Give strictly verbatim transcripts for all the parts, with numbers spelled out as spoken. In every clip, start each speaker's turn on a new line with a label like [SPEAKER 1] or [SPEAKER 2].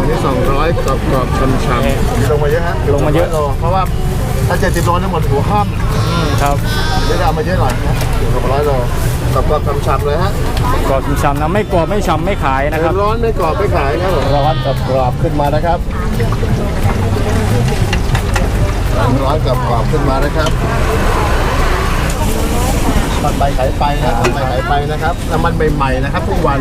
[SPEAKER 1] องที่สองร้อยกรอบกรอบช้ำช้ำลงมาเยอะฮะ
[SPEAKER 2] ลงมาเยอะ
[SPEAKER 1] เพราะว่าถ้าเจ็ดสิบโลนี่หมดหัวห้อม
[SPEAKER 2] ครับ
[SPEAKER 1] เดี๋ยวเอามาเยอะหน่อยนะถึงสองร้อยโลกรอบกรอบช้ำช้ำเลยฮะ
[SPEAKER 2] กรอบช้ำๆนะไม่กรอบไม่ช้ำไม่ขายนะครับ
[SPEAKER 1] ร้อนไม่กรอบไม่ขายครับร้อนกับกรอบขึ้นมานะครับร้อนกับกรอบขึ้นมานะครับทอดไปขายไปนะทอดไปขายไปนะครับน้ำมันใหม่ๆนะครับทุกวัน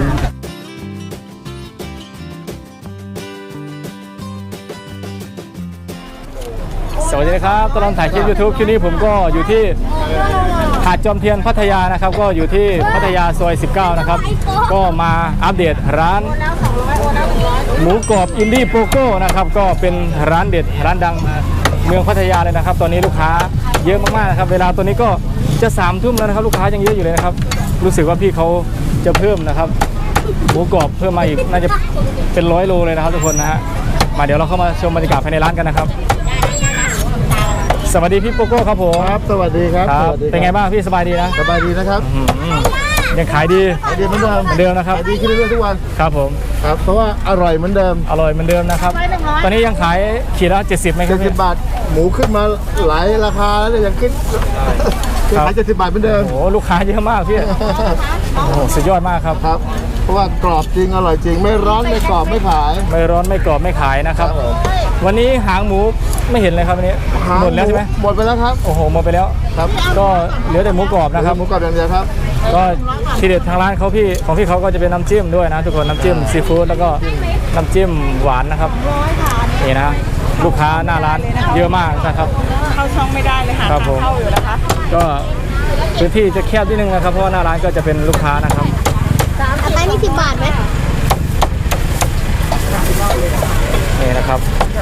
[SPEAKER 2] สวัสดีครับตลอดถ่ายคลิป ยูทูบ คลิปนี้ผมก็อยู่ที่หาดจอมเทียนพัทยานะครับก็อยู่ที่พัทยาซอยสิบเก้านะครับก็มาอัปเดตร้านหมูกรอบอินดี้โปโก้นะครับก็เป็นร้านเด็ดร้านดังเมืองพัทยาเลยนะครับตอนนี้ลูกค้าเยอะมากๆนะครับเวลาตัวนี้ก็จะสามทุ่มแล้วนะครับลูกค้ายังเยอะอยู่เลยนะครับรู้สึกว่าพี่เขาจะเพิ่มนะครับหมูกรอบเพิ่มมาอีกน่าจะเป็นร้อยโลเลยนะครับทุกคนนะฮะมาเดี๋ยวเราเข้ามาชมบรรยากาศภายในร้านกันนะครับสวัสดีพี่โปโก้ครับผม
[SPEAKER 1] ครับสวัสดีครับ
[SPEAKER 2] เป็นไงบ้างพี่สบายดีนะ
[SPEAKER 1] สบายดีนะครับ
[SPEAKER 2] ยังขายดี
[SPEAKER 1] ขายดีเหมือนเดิม
[SPEAKER 2] เหมือนเดิมนะครับ
[SPEAKER 1] ขายดีขึ้นเรื่อยๆทุกวัน
[SPEAKER 2] ครับผม
[SPEAKER 1] ครับเพราะว่าอร่อยเหมือนเดิม
[SPEAKER 2] อร่อยเหมือนเดิมนะครับตอนนี้ยังขายขีดละเจ็ดสิบไหมครับ
[SPEAKER 1] เจ็ดสิบบาทหมูขึ้นมาหลายราคาแล้วยังขึ้นขายเจ็ดสิบบาทเหมือนเดิม
[SPEAKER 2] โอ้ลูกค้าเยอะมากพี่โอ้สุดยอดมากครับ
[SPEAKER 1] ครับเพราะว่ากรอบจริงอร่อยจริงไม่ร้อนไม่กรอบไม่ขาย
[SPEAKER 2] ไม่ร้อนไม่กรอบไม่ขายนะครับวันนี้หางหมูไม่เห็นเลยครับวันนี้หมดแล้วใช่ไหม
[SPEAKER 1] หมดไปแล้วครับ
[SPEAKER 2] โอ้โหหมดไปแล้ว
[SPEAKER 1] ครับ
[SPEAKER 2] ก็เหลือแต่หมูกรอบนะครับ
[SPEAKER 1] หมูกรอบอย่างเดียวครับ
[SPEAKER 2] ก็ทีเด็ดทางร้านเขาพี่ของพี่เขาก็จะเป็นน้ำจิ้มด้วยนะทุกคนน้ำจิ้มซีฟู้ดแล้วก็น้ำจิ้มหวานนะครับนี่นะลูกค้าหน้าร้านเยอะมากนะครับ
[SPEAKER 3] เข้าช่องไม่ได้เลยค่ะเข้าอยู่นะคะ
[SPEAKER 2] ก็พื้นที่จะแคบนิดนึงนะครับเพราะว่าหน้าร้านก็จะเป็นลูกค้านะครับ
[SPEAKER 4] อันนี้สิบบาทไหม
[SPEAKER 2] นี่นะครับ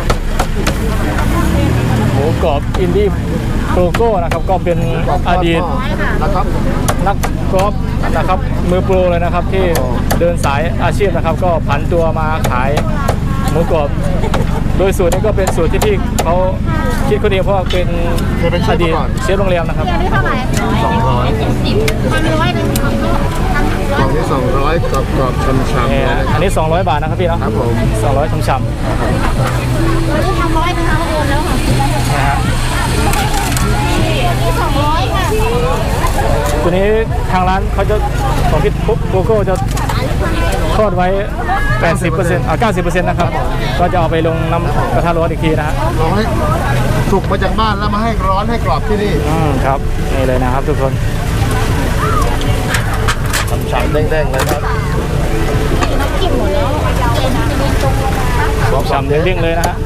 [SPEAKER 2] หมูกรอบอินดี้โปโก้นะครับก็เป็นอดีต
[SPEAKER 1] นะครับ
[SPEAKER 2] นักกอล์ฟนะครับมือโปรเลยนะครับที่เดินสายอาชีพนะครับก็ผันตัวมาขายหมูกรอบโดยสูตรนี้ก็เป็นสูตรที่พี่เขาคิดคนเดียวเพราะเป็นอดีตเชฟโรงแรมนะครับ
[SPEAKER 4] อันนี้เท่าไหร่
[SPEAKER 1] สองร้อย
[SPEAKER 4] พันร้อยหนึ่ง
[SPEAKER 1] สองที่สองร้อยกรอบกรอบช้ำช้ำ
[SPEAKER 2] อันนี้สองร้อยบาทนะครับพี่นะครับ
[SPEAKER 1] ผม
[SPEAKER 2] สองร้อยช้ำช้ำ
[SPEAKER 4] อันนี้ทำร้อยนะคะโอนแล้วค่ะ
[SPEAKER 2] นะฮะ
[SPEAKER 4] นี่สองร้อยค่ะ
[SPEAKER 2] ตัวนี้ทางร้านเขาจะของพี่ปุ๊บโกโก้จะทอดไว้ แปดสิบเปอร์เซ็นต์ อ่า เก้าสิบเปอร์เซ็นต์ นะครับก็จะเอาไปลงน้ำกระทะร้อนอีกทีนะฮะ
[SPEAKER 1] ลองให้สุกมาจากบ้านแล้วมาให้ร้อนให้กรอบที่นี่
[SPEAKER 2] อืมครับนี่เลยนะครับทุกคน
[SPEAKER 1] ฉ่ำๆแดงๆเลยครับ
[SPEAKER 4] น้ำจิ้มหมดแล้ว
[SPEAKER 2] บอกฉ่ำเด้งๆเลยนะฮะ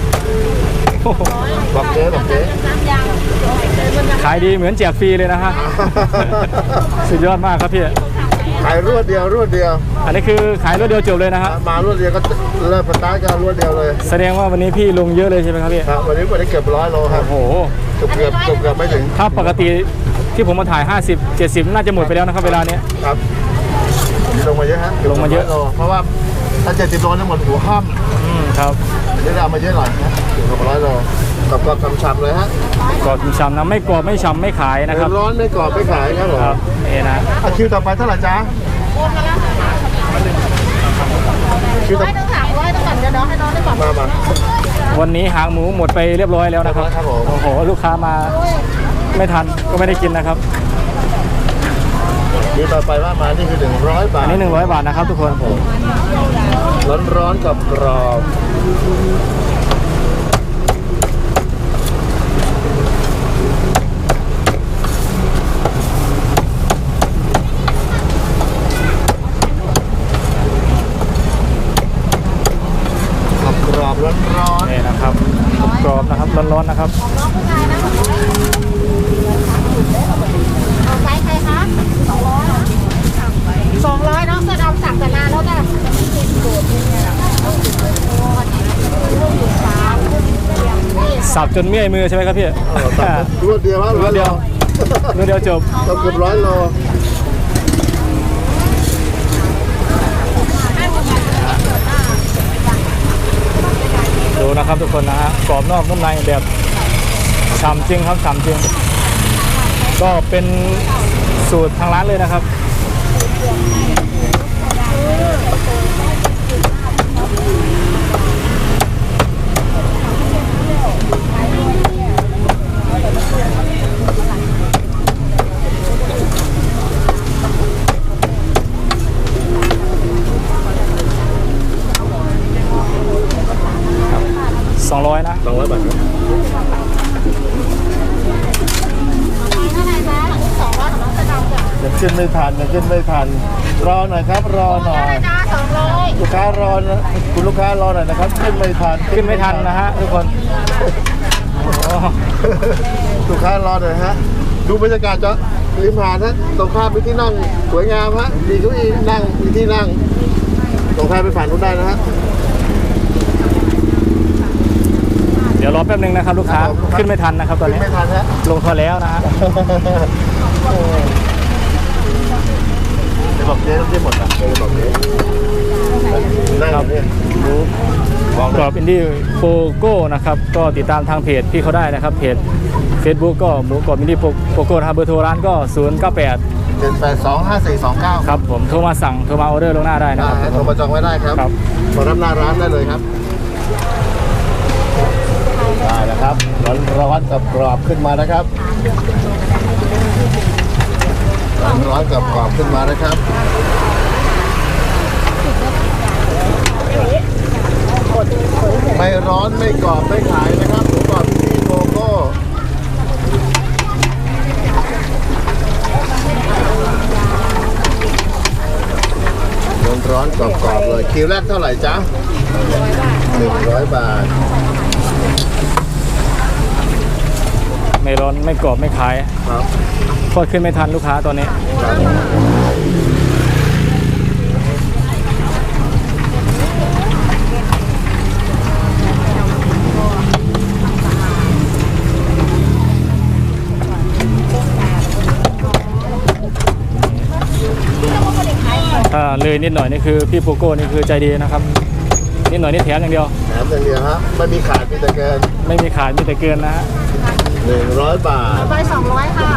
[SPEAKER 1] บอกเจ๊บอกเจ๊
[SPEAKER 2] ขายดีเหมือนแจกฟรีเลยนะฮะสุดยอดมากครับพี่
[SPEAKER 1] ขายรวดเดียวรวดเดียว
[SPEAKER 2] อันนี้คือขายรวดเดียวจบเลยนะฮะ
[SPEAKER 1] มารวดเดียวก็เริ่มสตาร์ทกันรวดเดียวเลย
[SPEAKER 2] แสดงว่าวันนี้พี่ลงเยอะเลยใช่ไหมครับพี่
[SPEAKER 1] ครับวันนี้วันนี้เกือบร้อยโลครับ
[SPEAKER 2] โอ้โห
[SPEAKER 1] เกือบเกือบเกือบไม่ถึง
[SPEAKER 2] ถ้าปกติที่ผมมาถ่ายห้าสิบ เจ็ดสิบน่าจะหมดไปแล้วนะครับเวลานี้
[SPEAKER 1] ครับลงมาเยอะฮะ
[SPEAKER 2] ลงมาเยอะ
[SPEAKER 1] เพราะว่าถ้าเจ็ดสิบโลนี่หมดหัวห้อม
[SPEAKER 2] อืมครับ
[SPEAKER 1] เดี๋ยวเอามาเยอะหน่อยนะถึงสองร้อยโลกรอบกรอบช้ำๆเลยฮะ
[SPEAKER 2] กรอบช้ำนะไม่กรอบไม่ช้ำไม่ขายนะครับ
[SPEAKER 1] ร้อนไม่กรอบไม่ขายครับผม
[SPEAKER 2] ครับนี่นะ
[SPEAKER 1] คิวต่อไปเท่าไหร่จ๊ะ
[SPEAKER 4] คิวต่อไปต้องถามร้อยต้องก่อนเดี๋ยวน้องให้น้องได้ก่อน
[SPEAKER 1] มามา
[SPEAKER 2] วันนี้หางหมูหมดไปเรียบร้อยแล้วนะครับโอ้โหลูกค้ามาไม่ทันก็ไม่ได้กินนะครับ
[SPEAKER 1] คิวต่อไปว่ามานี่คือหนึ่งร้อยบาท
[SPEAKER 2] อันนี้หนึ่งร้อยบาทนะครับทุกคน
[SPEAKER 1] ร้อนร้อนกับกรอบร้อนร้อน
[SPEAKER 2] นี่นะครับกรอบนะครับร้อนๆนะครับ
[SPEAKER 4] เอาไซส์ใครคะสองร้อยสองร้อยน้องก็เอาสั่งแต่นานแล้วจ้ะ
[SPEAKER 2] สับจนเมื่อยมือใช่ไหมครับพี่
[SPEAKER 1] รวดเดียว
[SPEAKER 2] รวดเดียวรวดเดียวจบ
[SPEAKER 1] เกือบร้อยโล
[SPEAKER 2] ดูนะครับทุกคนนะฮะกรอบนอกนุ่มในแบบฉ่ำจริงครับฉ่ำจริงก็เป็นสูตรทางร้านเลยนะครับสองร้อยนะ
[SPEAKER 1] สองร้อยบาทครับ
[SPEAKER 4] เท่าไหร่คะสองร้อยของน้องสะดำจ้ะ
[SPEAKER 1] ยังขึ้นไม่ทันยังขึ้นไม่ทันรอหน่อยครับรอหน่อย
[SPEAKER 4] จ้าสองร้อย
[SPEAKER 1] ลูกค้ารอนะคุณลูกค้ารอหน่อยนะครับขึ้นไม่ทัน
[SPEAKER 2] ขึ้นไม่ทันนะฮะทุกคนโอ้
[SPEAKER 1] ลูกค้ารอหน่อยฮะดูบรรยากาศจะริมหาดฮะตรงข้ามมีที่นั่งสวยงามฮะมีเก้าอี้นั่งมีที่นั่งตรงข้ามไปผ่านนู้นได้นะฮะ
[SPEAKER 2] เดี๋ยวรอแป๊บนึงนะครับลูกค้า
[SPEAKER 1] ครับผม
[SPEAKER 2] ขึ้นไม่ทันนะครับตอน
[SPEAKER 1] ขึ้น
[SPEAKER 2] นี้
[SPEAKER 1] ไม่ทันฮะ
[SPEAKER 2] ลงทอแล้วนะฮะ
[SPEAKER 1] เดี๋ยวบอกเจ๊ต้องเจ๊หมดอ่ะเดี๋ยวบอกเจ๊นั่งอยู่เนี่ยรู้บอก
[SPEAKER 2] กรอบอินดี้โปโก้นะครับก็ติดตามทางเพจพี่เขาได้นะครับเพจ Facebook ก็หมูกรอบอินดี้โปโก้นะครับเบอร์โทรร้านก็ศูนย์ เก้า แปด
[SPEAKER 1] เจ็ดแปดสองห้าสี่สองเก้า
[SPEAKER 2] ครับผมโทรมาสั่งโทรมาออเดอร์ล่วงหน้าได้นะ
[SPEAKER 1] ได้
[SPEAKER 2] ครับ
[SPEAKER 1] ฮะโทรมาจองไว้ได้ครับ
[SPEAKER 2] ครับ
[SPEAKER 1] มารับหน้าร้านได้เลยครับได้แล้วครับร้อนร้อนกับกรอบขึ้นมานะครับร้อนร้อนกับกรอบขึ้นมานะครับไม่ร้อนไม่กรอบไม่ขายนะครับหมูกรอบที่โกโก้ร้อนร้อนกรอบกรอบเลยคิวแรกเท่าไหร่จ๊ะหนึ่งร้อยบาท
[SPEAKER 2] ไม่ร้อนไม่กรอบไม่ขาย
[SPEAKER 1] ครับ
[SPEAKER 2] ทอดขึ้นไม่ทันลูกค้าตอนนี้ ถ้าเลยนิดหน่อยนี่คือพี่โปโก้นี่คือใจดีนะครับนิดหน่อยนี่แถมอย่างเดียว
[SPEAKER 1] แถมอย่างเดียวฮะไม่มีขาดมีแต่เกิน
[SPEAKER 2] ไม่มีขายมีแต่เกินนะฮะ
[SPEAKER 1] หนึ่งร้อยบาท
[SPEAKER 4] ไปสองร้อยค่ะ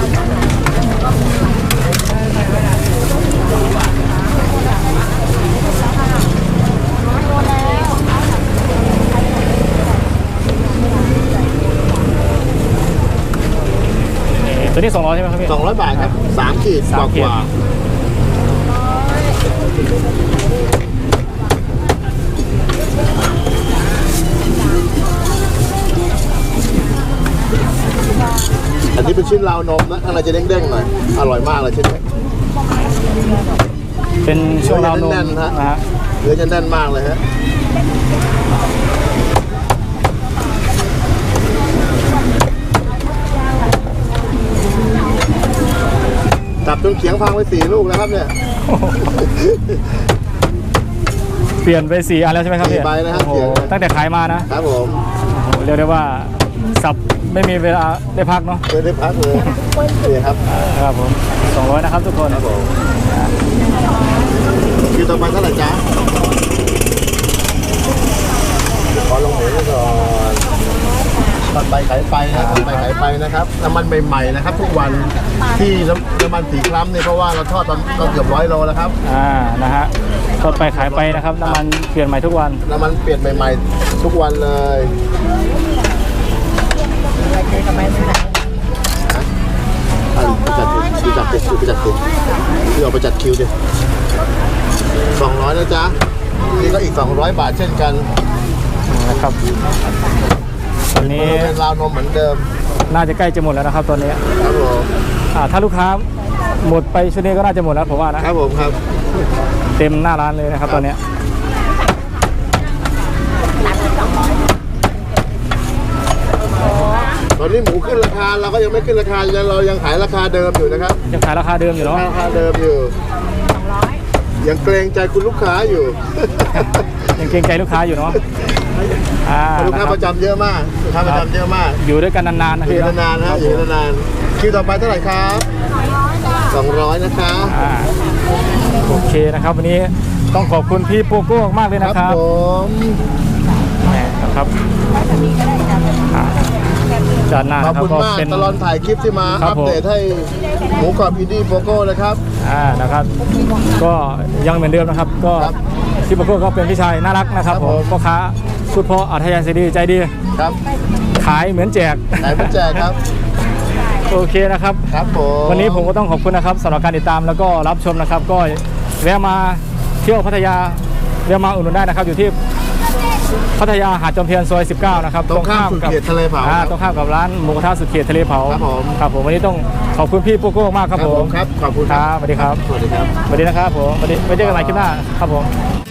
[SPEAKER 4] โดนแล้ว
[SPEAKER 2] นี่ตัวนี้สองร้อยใช่ไหมครับพี่
[SPEAKER 1] สองร้อยบาทครับสามขีดก
[SPEAKER 2] สาม
[SPEAKER 1] ว่า
[SPEAKER 2] ขีด
[SPEAKER 1] กว่าอันนี้เป็นชิ้นราวนมนะข้างในจะเด้งๆหน่อยอร่อยมากเลยชิ้นนี้
[SPEAKER 2] เป็นช่วงราวนม
[SPEAKER 1] แน่นๆฮะ
[SPEAKER 2] นะฮะ
[SPEAKER 1] เนื้อจะแน่นมากเลยฮะจับจนเขียงพังไปสี่ลูกแล้วครับเนี่ย
[SPEAKER 2] เปลี่ยนไปสี่อันแล้วใช่ไหมครับพี่
[SPEAKER 1] สี่ใบนะครับ
[SPEAKER 2] โอ้โห
[SPEAKER 1] เปลี่ยน
[SPEAKER 2] ตั้งแต่ขายมานะครับ
[SPEAKER 1] ผม
[SPEAKER 2] โอ้โหเรียกได้ว่าสับไม่มีเวลาได้พักเนาะ
[SPEAKER 1] ไม่ได้พักเลยนี่ครับ
[SPEAKER 2] ครับผมสองร้อยนะครับทุกคน
[SPEAKER 1] ครับผมคิวต่อไปเท่าไหร่จ๊ะขอลงเหวก่อนทอดไปขายไปนะทอดไปขายไปนะครับน้ำมันใหม่ๆนะครับ ทุกวันที่น้ำน้ำมันสีคล้ำเนี่ยเพราะว่าเราทอดตอนตอนเกือบร้อยโลแล้วครับ
[SPEAKER 2] อ่านะฮะทอดไปขายไปนะครับน้ำมันเปลี่ยนใหม่ทุกวัน
[SPEAKER 1] น้ำมันเปลี่ยนใหม่ๆทุกวันเลยอ่ะไปจัดดิไปจัดดิไปจัดดิพี่เอาไปจัดคิวดิสองร้อยนะจ๊ะนี่ก็อีกสองร้อยบาทเช่นกัน
[SPEAKER 2] นะครับตอนนี้
[SPEAKER 1] เป็นราวนมเหมือนเดิม
[SPEAKER 2] น่าจะใกล้จะหมดแล้วนะครับตอนนี้
[SPEAKER 1] ครับผม
[SPEAKER 2] อ่าถ้าลูกค้าหมดไปชุดนี้ก็น่าจะหมดแล้วผมว่านะครับ
[SPEAKER 1] ผมครับ
[SPEAKER 2] เต็มหน้าร้านเลยนะครับตอนเนี้ย
[SPEAKER 1] ตอนนี้หมูขึ้นราคาเราก็ยังไม่ขึ้นราคาเรายังขายราคาเดิมอยู่นะครับ
[SPEAKER 2] ยังขายราคาเดิมอยู่เนาะ
[SPEAKER 1] ราคาเดิมอยู่ยังเกรงใจคุณลูกค้าอยู่
[SPEAKER 2] ยังเกรงใจลูกค้าอยู่เนาะอ่า
[SPEAKER 1] ลูก
[SPEAKER 2] นะ
[SPEAKER 1] ค้า
[SPEAKER 2] ครั
[SPEAKER 1] ป
[SPEAKER 2] บ
[SPEAKER 1] ระจำเยอะมากลูกค้าประจำเยอะมาก
[SPEAKER 2] อยู่ด้วยกันนานๆนะ
[SPEAKER 1] อยู่
[SPEAKER 2] พี่เนาะ
[SPEAKER 1] นานๆนะอยู่นานๆคิวต่อไปเท่าไหร่ครับสองร้อยนะคะ
[SPEAKER 2] อ่าโอเคนะครับวันนี้ต้องขอบคุณพี่โปโก้มากเลย
[SPEAKER 1] ค
[SPEAKER 2] นะ
[SPEAKER 1] รับ
[SPEAKER 2] ครับ
[SPEAKER 1] ผม
[SPEAKER 2] แหมนะครับอ่าจานหน้า
[SPEAKER 1] ขอบ
[SPEAKER 2] นะครับ
[SPEAKER 1] คุณ
[SPEAKER 2] ก็
[SPEAKER 1] มาก
[SPEAKER 2] เป็น
[SPEAKER 1] ตลอดถ่ายคลิปที่มา
[SPEAKER 2] ครั
[SPEAKER 1] อั
[SPEAKER 2] บ
[SPEAKER 1] ป
[SPEAKER 2] ผม
[SPEAKER 1] เดตให้หมูกรอบอินดี้โปโก้นะครับ
[SPEAKER 2] อ่านะครับ ก็ยังเหมือนเดิมนะครับ ก็
[SPEAKER 1] ครับ
[SPEAKER 2] พี่โปโก้ก็เป็นพี่ชายน่ารักนะครับ
[SPEAKER 1] ครับ
[SPEAKER 2] ผ
[SPEAKER 1] ผม ม
[SPEAKER 2] พ่อค้าพูดเพราะอัธยาศัยดีใจดี
[SPEAKER 1] ครับ
[SPEAKER 2] ขายเหมือนแจก
[SPEAKER 1] ไหนไม่แจกครับ
[SPEAKER 2] โอเคนะครับ
[SPEAKER 1] ครับผม
[SPEAKER 2] วันนี้ผมก็ต้องขอบคุณนะครับสำหรับการติดตามแล้วก็รับชมนะครับ ก็แวะมาเที่ยวพัทยาแวะมาอุดหนุนได้นะครับ อยู่ที่พัทยาหาดจอมเทียนซอยสิบเก้านะครับ
[SPEAKER 1] ตรงข้ามสุดเขตทะเลเผา
[SPEAKER 2] อ่
[SPEAKER 1] ครับ
[SPEAKER 2] ตรงข้ามกับร้านหมูกระทะสุดเขตทะเลเผา
[SPEAKER 1] ครับผม
[SPEAKER 2] ครับผมวันนี้ต้องขอบคุณพี่ปุ๊กโก้มากครับผม
[SPEAKER 1] ครับขอบคุณ
[SPEAKER 2] ครับสวัสดีครับ
[SPEAKER 1] สวัสดีครับ
[SPEAKER 2] สวัสดีนะครับผมสวัสดีไว้เจอกันใหม่คลิปหน้าครับผม